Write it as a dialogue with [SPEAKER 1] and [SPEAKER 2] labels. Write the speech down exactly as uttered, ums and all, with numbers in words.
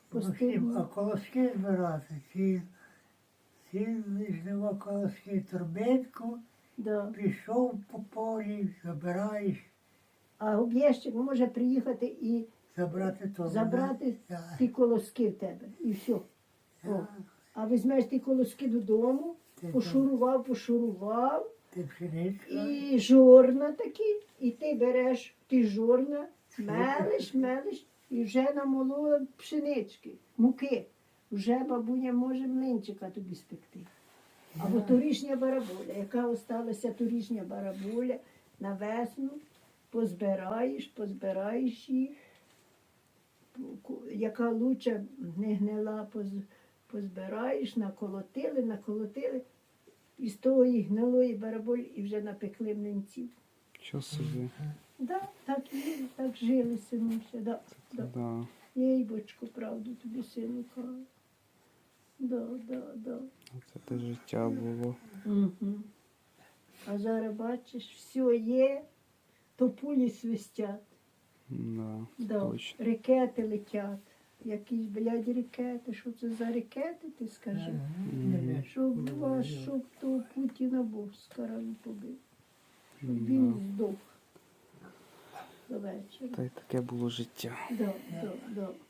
[SPEAKER 1] Максим, а
[SPEAKER 2] постійно.
[SPEAKER 1] колоски збирати, ці, ці жнива колоски, торбинку,
[SPEAKER 2] Да.
[SPEAKER 1] пішов по полі, забираєш,
[SPEAKER 2] А об'єщик може приїхати і
[SPEAKER 1] забрати то.
[SPEAKER 2] забрати
[SPEAKER 1] Так,
[SPEAKER 2] ті колоски в тебе. І все. О.
[SPEAKER 1] так,
[SPEAKER 2] А візьмеш ті колоски додому,
[SPEAKER 1] Ти
[SPEAKER 2] пошурував, пошурував,
[SPEAKER 1] ти пшеничка.
[SPEAKER 2] і жорна такі, і ти береш ті жорна, мелиш, мелиш, і вже намолола пшенички, муки. Вже бабуня може млинчика тобі спекти. Або торішня бараболя, яка осталася торішня бараболя на весну, позбираєш, позбираєш їх, ку- яка луча не гнила, поз- позбираєш, наколотили, наколотили, і з тої гнилої бараболі і вже напекли млинців.
[SPEAKER 3] Що собі?
[SPEAKER 2] Да, так і так жили, синуся. Да, да.
[SPEAKER 3] Да.
[SPEAKER 2] Їй, бочку, правду тобі, сину, кажу. Да, да, да.
[SPEAKER 3] Це те життя було.
[SPEAKER 2] Угу. А зараз бачиш, все є, то пулі свистять,
[SPEAKER 3] Да,
[SPEAKER 2] да.
[SPEAKER 3] точно.
[SPEAKER 2] Ракети летять. Якісь, блядь, ракети. Що це за ракети, ти скажи?
[SPEAKER 1] Ага.
[SPEAKER 2] Щоб вас, щоб то Путіна Бог скарали побив. Щоб
[SPEAKER 3] Да.
[SPEAKER 2] він здох до вечора.
[SPEAKER 3] Та й таке було життя.
[SPEAKER 2] Да, да, да.